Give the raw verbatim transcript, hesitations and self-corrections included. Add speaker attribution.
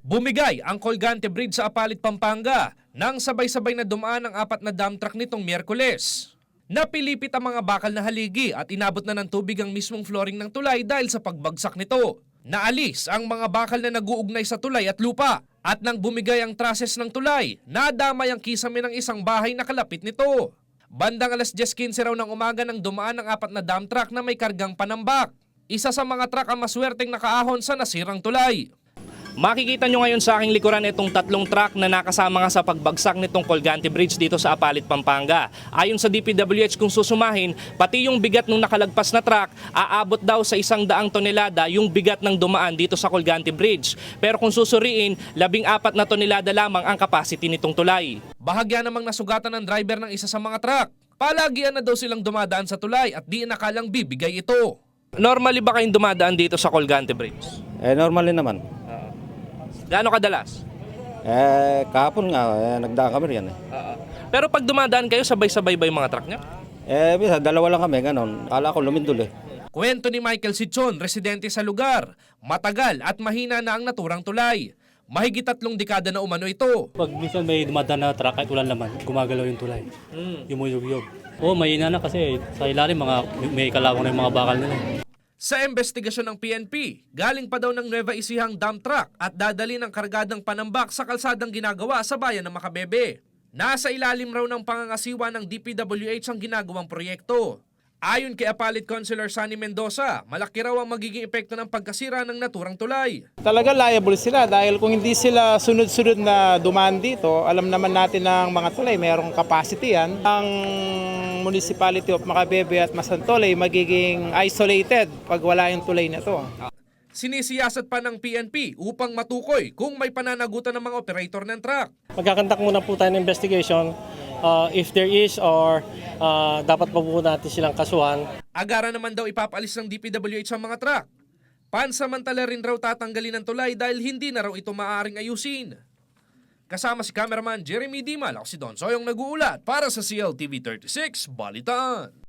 Speaker 1: Bumigay ang Colgante Bridge sa Apalit, Pampanga nang sabay-sabay na dumaan ang apat na dump truck nitong Miyerkules. Napilipit ang mga bakal na haligi at inabot na ng tubig ang mismong flooring ng tulay dahil sa pagbagsak nito. Naalis ang mga bakal na nag-uugnay sa tulay at lupa at nang bumigay ang trusses ng tulay, nadamay ang kisame ng isang bahay na kalapit nito. Bandang alas diyes quince raw ng umaga nang dumaan ang apat na dump truck na may kargang panambak. Isa sa mga truck ang maswerteng nakaahon sa nasirang tulay. Makikita nyo ngayon sa aking likuran itong tatlong truck na nakasama nga sa pagbagsak nitong Colgante Bridge dito sa Apalit, Pampanga. Ayon sa D P W H, kung susumahin, pati yung bigat ng nakalagpas na truck, aabot daw sa isang daang tonelada yung bigat ng dumaan dito sa Colgante Bridge. Pero kung susuriin, labing apat na tonelada lamang ang capacity nitong tulay. Bahagya namang nasugatan ng driver ng isa sa mga truck. Palagian na daw silang dumadaan sa tulay at di nakalang bibigay ito. Normally ba kayong dumadaan dito sa Colgante Bridge?
Speaker 2: Eh, normally naman.
Speaker 1: Gaano kadalas?
Speaker 2: Eh, kahapon nga, eh, nagdaan kami riyan eh.
Speaker 1: Uh, Pero pag dumadaan kayo, sabay-sabay ba yung mga truck niya?
Speaker 2: Eh, bisa, dalawa lang kami, ganon. Kala ko lumindol eh.
Speaker 1: Kwento ni Michael Sichon, residente sa lugar. Matagal at mahina na ang naturang tulay. Mahigit tatlong dekada na umano ito.
Speaker 3: Pag minsan may dumadaan na truck kahit ulan naman, gumagalaw yung tulay. Mm. Yumuyog-yog. Oo, mahina na kasi sa ilalim mga, may kalawang na yung mga bakal nila.
Speaker 1: Sa investigasyon ng P N P, galing pa daw ng Nueva Ecijang dump truck at dadali ng kargadang panambak sa kalsadang ginagawa sa bayan ng Macabebe. Nasa ilalim raw ng pangangasiwa ng D P W H ang ginagawang proyekto. Ayon kay Apalit Councilor Sunny Mendoza, malaki raw ang magiging epekto ng pagkasira ng naturang tulay.
Speaker 4: Talaga liable sila dahil kung hindi sila sunod-sunod na dumaan dito, alam naman natin ng mga tulay, mayroong capacity yan. Ang Municipality of Macabebe at Masantol ay magiging isolated pag wala yung tulay na to.
Speaker 1: Sinisiyasat pa ng P N P upang matukoy kung may pananagutan ng mga operator ng truck.
Speaker 5: Magkakandak muna po tayo ng investigation uh, if there is or uh, dapat pa po natin silang kasuhan.
Speaker 1: Agaran naman daw ipapalis ng D P W H ang mga truck. Pansamantala rin raw tatanggalin ng tulay dahil hindi na raw ito maaaring ayusin. Kasama si cameraman Jeremy Dimal, ako si Don Soyong nag-uulat para sa C L T V thirty-six Balitaan.